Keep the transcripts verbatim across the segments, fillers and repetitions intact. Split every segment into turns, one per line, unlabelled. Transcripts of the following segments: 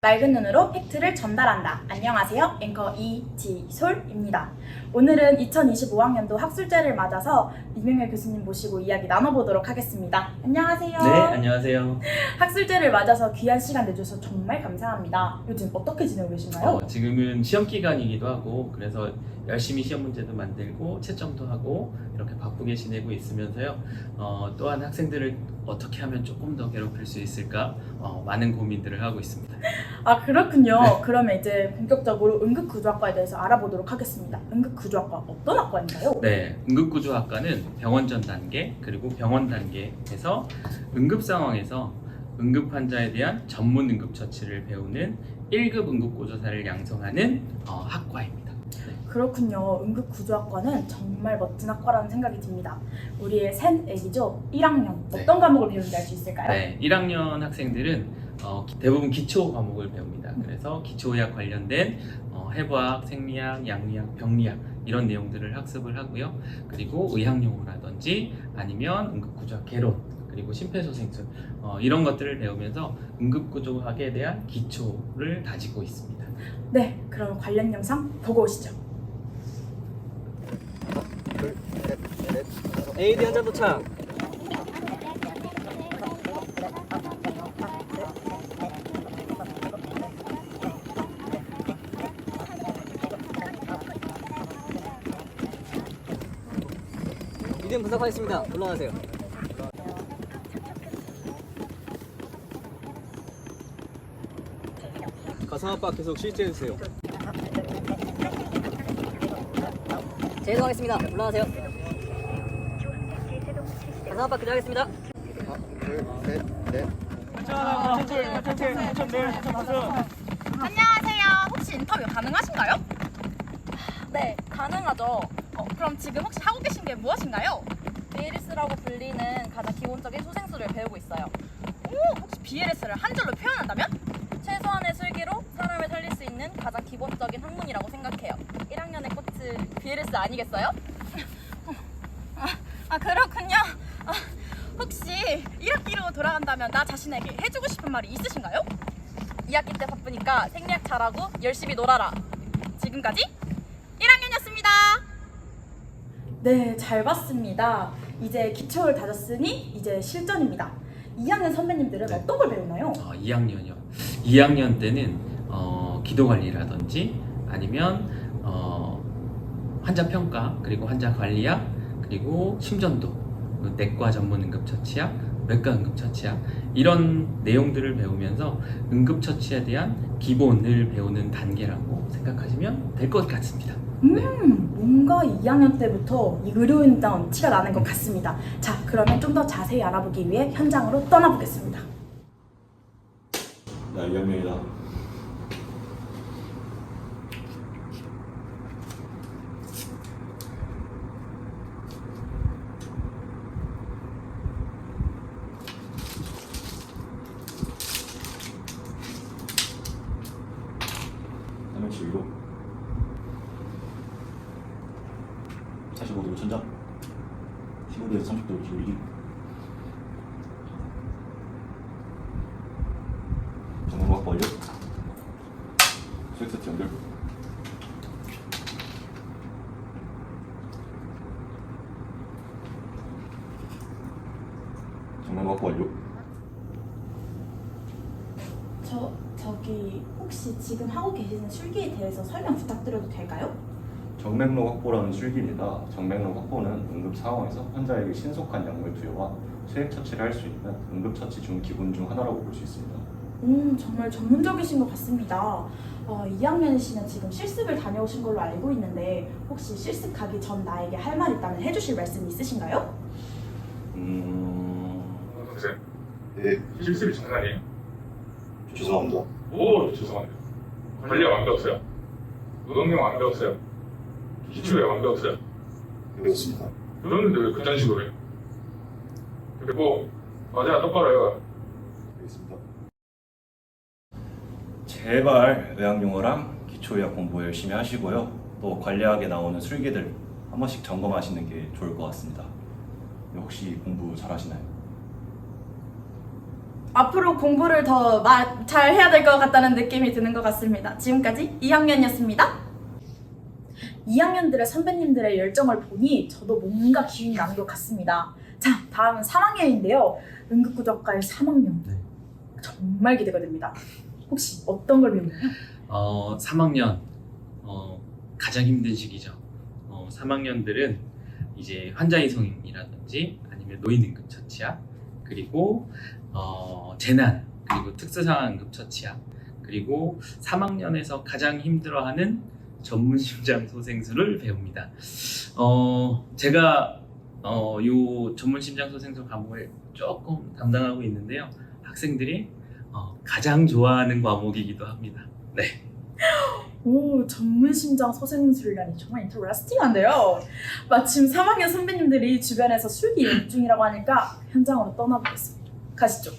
맑은 눈으로 팩트를 전달한다. 안녕하세요. 앵커 이지솔입니다. 오늘은 이천이십오 학년도 학술제를 맞아서 이명열 교수님 모시고 이야기 나눠보도록 하겠습니다. 안녕하세요.
네, 안녕하세요.
학술제를 맞아서 귀한 시간 내주셔서 정말 감사합니다. 요즘 어떻게 지내고 계신가요?
어, 지금은 시험 기간이기도 하고 그래서 열심히 시험 문제도 만들고 채점도 하고 이렇게 바쁘게 지내고 있으면서요. 어, 또한 학생들을 어떻게 하면 조금 더 괴롭힐 수 있을까 어, 많은 고민들을 하고 있습니다.
아 그렇군요.
네.
그러면 이제 본격적으로 응급구조학과에 대해서 알아보도록 하겠습니다. 응급구조학과 어떤 학과인가요?
네, 응급구조학과는 병원 전 단계 그리고 병원 단계에서 응급 상황에서 응급 환자에 대한 전문 응급처치를 배우는 일 급 응급구조사를 양성하는 어, 학과입니다.
그렇군요. 응급구조학과는 정말 멋진 학과라는 생각이 듭니다. 우리의 새 애기죠? 일 학년
네.
어떤 과목을 배우는지 알 수 있을까요?
네, 일 학년 학생들은 어, 기- 대부분 기초 과목을 배웁니다. 그래서 기초의학 관련된 어, 해부학, 생리학, 양리학, 병리학 이런 내용들을 학습을 하고요. 그리고 의학용어라든지 아니면 응급구조학 개론 그리고 심폐소생술 어, 이런 것들을 배우면서 응급구조학에 대한 기초를 다지고 있습니다.
네, 그럼 관련 영상 보고 오시죠.
에이디 한 잔 도착. 이름 분석하겠습니다. 올라가세요. 가상압박 계속 실제해주세요. 제도하겠습니다. 올라가세요. 가상압박 그대하겠습니다.
하나, 둘, 셋, 넷.
안녕하세요. 혹시 인터뷰 가능하신가요? 네, 가능하죠. 어, 그럼 지금 혹시 하고 계신 게 무엇인가요? 비엘에스라고 불리는 가장 기본적인 소생술을 배우고 있어요. 오, 혹시 비엘에스를 한 줄로 표현한다면? 최소한의 술기로 사람을 살릴 수 있는 가장 기본적인 학문이라고 생각해요. 일 학년의 꽃은 비엘에스 아니겠어요? 아, 아 그렇군요. 아, 혹시 일 학기로 돌아간다면 나 자신에게 해주고 싶은 말이 있으신가요? 이 학기 때 바쁘니까 생리학 잘하고 열심히 놀아라. 지금까지 일 학년이었습니다. 네, 잘 봤습니다. 이제 기초를 다졌으니 이제 실전입니다. 이 학년 선배님들은
네.
어떤 걸 배우나요?
어, 이 학년이요. 이 학년 때는 어, 기도 관리라든지 아니면 어, 환자 평가 그리고 환자 관리학 그리고 심전도 그리고 내과 전문 응급처치학 외과 응급처치학 이런 내용들을 배우면서 응급처치에 대한 기본을 배우는 단계라고 생각하시면 될 것 같습니다.
음,
네.
뭔가 이 학년 때부터 이 의료인다운 티가 나는 것 같습니다. 자, 그러면 좀 더 자세히 알아보기 위해 현장으로 떠나보겠습니다.
나 이 학년이다. 삼백칠 위로 사십오 도로 천장 십오 도에서 삼십 도로 기울이기 정면각 벌려 수액 세트 연결 정면각 완료.
저, 저기 혹시 지금 하고 계시는 술기에 대해서 설명 부탁드려도 될까요?
정맥록 확보라는 술기입니다. 정맥록 확보는 응급 상황에서 환자에게 신속한 약물 투여와 수액 처치를 할 수 있는 응급 처치 중 기본 중 하나라고 볼 수 있습니다.
음, 정말 전문적이신 것 같습니다. 어, 이 학년이시면 지금 실습을 다녀오신 걸로 알고 있는데 혹시 실습 가기 전 나에게 할 말 있다면 해주실 말씀 있으신가요?
음...
선생님,
네,
실습이 장난 아니에요?
죄송합니다.
오, 죄송합니다. 관리가 완벽했어요? 노동력 완벽했어요? 기초에 완벽했어요?
배웠습니다.
그러는데 왜 그딴 식으로 해요? 그리고 맞아, 똑바로 해요.
알겠습니다.
제발 의학용어랑 기초의학 공부 열심히 하시고요. 또 관리학에 나오는 술기들 한 번씩 점검하시는 게 좋을 것 같습니다. 혹시 공부 잘 하시나요?
앞으로 공부를 더 잘 해야 될 것 같다는 느낌이 드는 것 같습니다. 지금까지 이 학년이었습니다. 이 학년들의 선배님들의 열정을 보니 저도 뭔가 기운이 나는 것 같습니다. 자, 다음은 삼 학년인데요. 응급구조학과의 삼 학년.
네.
정말 기대가 됩니다. 혹시 어떤 걸 배우나요?
어, 삼 학년 어, 가장 힘든 시기죠. 어, 삼 학년들은 이제 환자 이송이라든지 아니면 노인 응급 처치약, 그리고 어, 재난, 그리고 특수상황 응급 처치약, 그리고 삼 학년에서 가장 힘들어하는 전문 심장 소생술을 배웁니다. 어, 제가 어, 요 전문 심장 소생술 과목을 조금 담당하고 있는데요. 학생들이 어, 가장 좋아하는 과목이기도 합니다. 네.
오, 전문 심장 소생술이라니 정말 인터레스팅한데요. 마침 삼 학년 선배님들이 주변에서 술기 연습 중이라고 하니까 현장으로 떠나보겠습니다. 가시죠.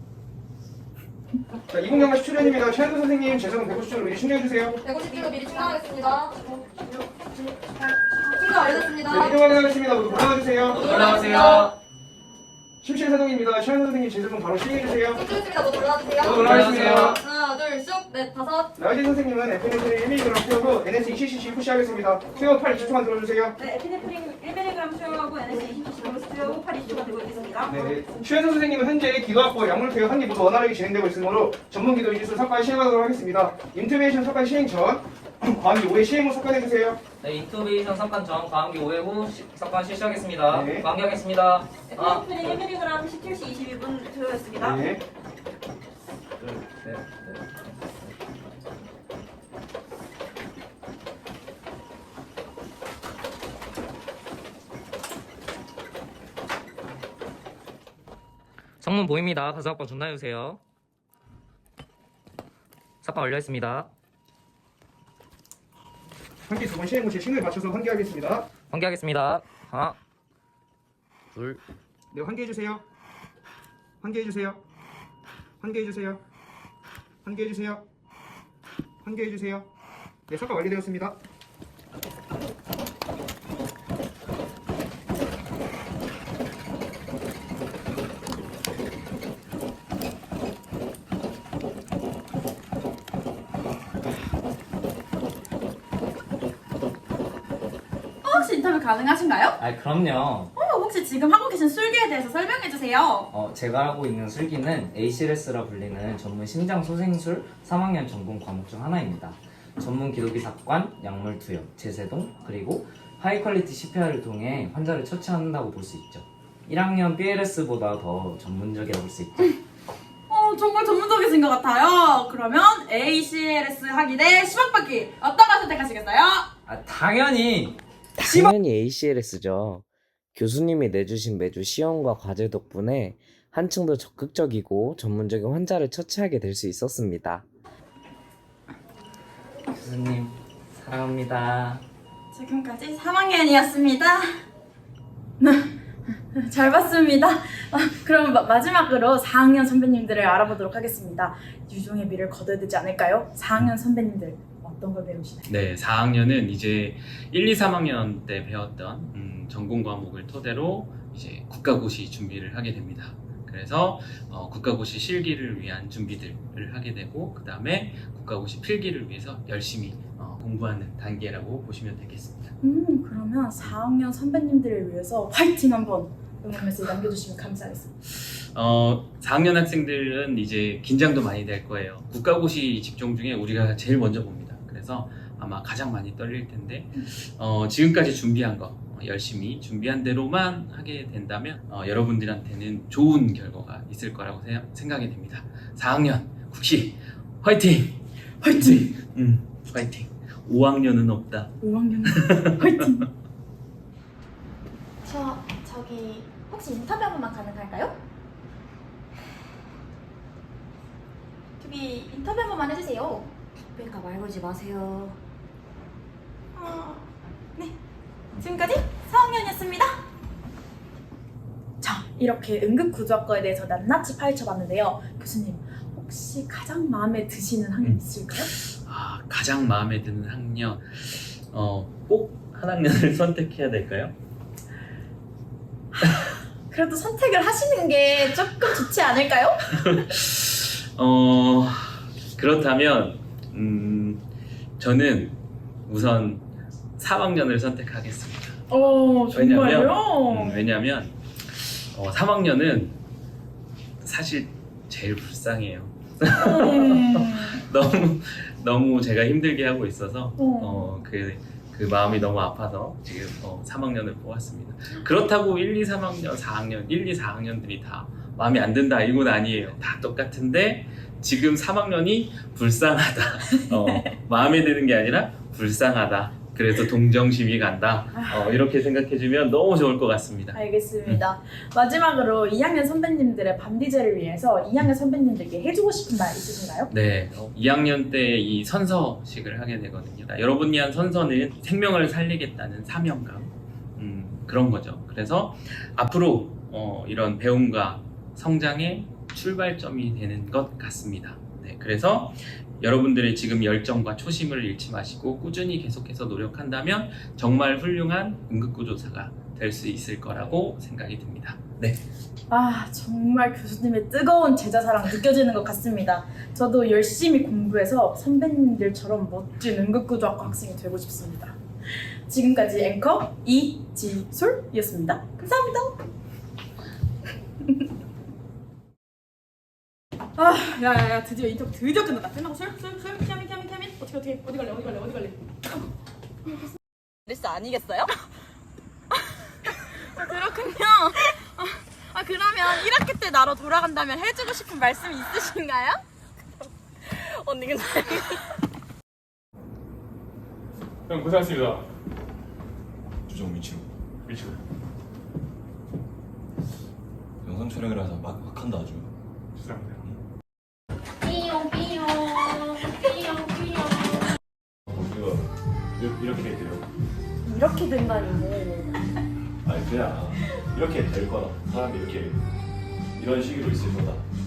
자, 이공 경과 십 출연입니다. 최현수 선생님, 재성은 백오십 줄 미리 충전해주세요.
백오십 킬로 미리 충전하겠습니다. 충전 완료됐습니다.
네, 이동 확인하겠습니다. 모두 올라와주세요.
올라오세요.
심실 사동입니다. 최현수 선생님, 재성은 바로 시행해주세요.
충전했습니다. 모두 올라와주세요.
모두 올라와주세요.
하나, 둘, 쑥, 넷, 다섯.
나이진 선생님은 에피네프린 일 밀리그램 투여로 에ヌ에스 이십 씨씨 푸시하겠습니다. 투여 팔 이십 초만 들어주세요.
네, 에피네프린 일 밀리그램 수용하고 에ヌ에스 이십 씨 도스 투여 후 팔 이십 초가 되고 있겠습니다.
네, 최현수 선생님은 현재 기도학부 약물 투여 한 개 모두 원활하게 진행되고 있으므로 전문 기도 이지수 석관 시행하도록 하겠습니다. 인투베이션 석관 시행 전 과학기 오 회 시행 후 석관해주세요.
네, 인투베이션 석관 전 과학기 오 회 후 시- 석관 실시하겠습니다.
네.
관계하겠습니다. 하나,
에피네프린 일 밀리그램 십칠 시 이십이 분 투여했습니다.
네.
둘, 셋, 넷. 성문 보입니다. 가서 학번 전화해주세요. 석관 완료했습니다.
한기 두 번 시행 후 제 신호에 맞춰서 환기하겠습니다.
관계하겠습니다. 하나, 둘,
네, 환기해주세요. 환기해주세요. 환기해주세요. 환기해주세요. 환기해주세요. 네, 석관 완료되었습니다.
혹시 인터뷰 가능하신가요?
아 그럼요.
어, 혹시 지금 하고 계신 술기에 대해서 설명해 주세요.
어, 제가 하고 있는 술기는 에이씨엘에스라 불리는 전문 심장 소생술 삼 학년 전공 과목 중 하나입니다. 전문 기도기 삭관, 약물 투여, 제세동, 그리고 하이 퀄리티 씨피알을 통해 환자를 처치한다고 볼 수 있죠. 일 학년 비엘에스보다 더 전문적이라고 볼 수 있죠.
어, 정말 전문적이신 것 같아요. 그러면 에이씨엘에스 하기 대 십억 받기 어떤 걸 선택하시겠어요?
아 당연히
당연히 에이씨엘에스죠. 교수님이 내주신 매주 시험과 과제 덕분에 한층 더 적극적이고 전문적인 환자를 처치하게 될 수 있었습니다.
교수님 사랑합니다.
지금까지 삼 학년이었습니다. 잘 봤습니다. 아, 그럼 마, 마지막으로 사 학년 선배님들을 알아보도록 하겠습니다. 유종의 미를 거둬야 되지 않을까요? 사 학년 선배님들 어떤 걸 배우시나요?
네, 사 학년은 이제 일, 이, 삼 학년 때 배웠던 음, 전공 과목을 토대로 이제 국가고시 준비를 하게 됩니다. 그래서 어, 국가고시 실기를 위한 준비들을 하게 되고 그 다음에 국가고시 필기를 위해서 열심히 어, 공부하는 단계라고 보시면 되겠습니다.
음, 그러면 사 학년 선배님들을 위해서 화이팅 한번 응원 메시지 남겨주시면 감사하겠습니다.
어, 사 학년 학생들은 이제 긴장도 많이 될 거예요. 국가고시 직종 중에 우리가 제일 먼저 봅니다. 그래서 아마 가장 많이 떨릴 텐데 어, 지금까지 준비한 거 어, 열심히 준비한 대로만 하게 된다면 어, 여러분들한테는 좋은 결과가 있을 거라고 세- 생각이 됩니다. 사 학년 국시 화이팅! 화이팅! 음, 화이팅! 오 학년은 없다.
오 학년 화이팅!
저, 저기, 혹시 인터뷰 한 번만 가능할까요? 저기, 인터뷰 한 번만 해주세요.
그러니까 말 걸지 마세요.
어, 네, 지금까지 사 학년이었습니다. 자, 이렇게 응급구조학과에 대해서 낱낱이 파헤쳐봤는데요. 교수님, 혹시 가장 마음에 드시는 학년
음.
있을까요?
아, 가장 마음에 드는 학년 어, 꼭 한 학년을 선택해야 될까요?
그래도 선택을 하시는 게 조금 좋지 않을까요?
어, 그렇다면, 음, 저는 우선 삼 학년을 선택하겠습니다.
어,
왜냐면, 음, 왜냐면, 어, 삼 학년은 사실 제일 불쌍해요.
음.
너무, 너무 제가 힘들게 하고 있어서, 어, 그, 그 마음이 너무 아파서 지금 어, 삼 학년을 뽑았습니다. 그렇다고 일, 이, 삼 학년, 사 학년, 일, 이, 사 학년들이 다 마음에 안 든다 이건 아니에요. 다 똑같은데 지금 삼 학년이 불쌍하다. 어, 마음에 드는 게 아니라 불쌍하다. 그래서 동정심이 간다. 어, 이렇게 생각해주면 너무 좋을 것 같습니다.
알겠습니다. 마지막으로 이 학년 선배님들의 밤디제를 위해서 이 학년 선배님들께 해주고 싶은 말 있으신가요?
네, 어, 이 학년 때 이 선서식을 하게 되거든요. 여러분이 한 선서는 생명을 살리겠다는 사명감, 음, 그런 거죠. 그래서 앞으로 어, 이런 배움과 성장의 출발점이 되는 것 같습니다. 네, 그래서 여러분들의 지금 열정과 초심을 잃지 마시고 꾸준히 계속해서 노력한다면 정말 훌륭한 응급구조사가 될 수 있을 거라고 생각이 듭니다. 네.
아, 정말 교수님의 뜨거운 제자사랑 느껴지는 것 같습니다. 저도 열심히 공부해서 선배님들처럼 멋진 응급구조학과 학생이 되고 싶습니다. 지금까지 앵커 이지솔이었습니다. 감사합니다. 아, 야야야, 드디어 인터뷰 드디어 끝났다. 끝나고 술? 술? 술? 티아민 티아민 티아민? 어떻게 어떻게 어디 갈래 어디 갈래 어디 갈래? 레스 아니겠어요? 아, 그렇군요. 아, 아 그러면 일 학기 때 나로 돌아간다면 해주고 싶은 말씀 있으신가요? 언니 근데
형 고생하셨습니다.
주정 미치고
미치고.
영상 촬영이라서 막, 막 한다 아주.
죄송합니다.
삐용 삐용 삐용 삐용.
우리가 이- 이렇게 돼요.
이렇게 된다니 뭐.
아니 그냥 이렇게 될 거다. 사람이 이렇게 이런 식으로 있을 거다.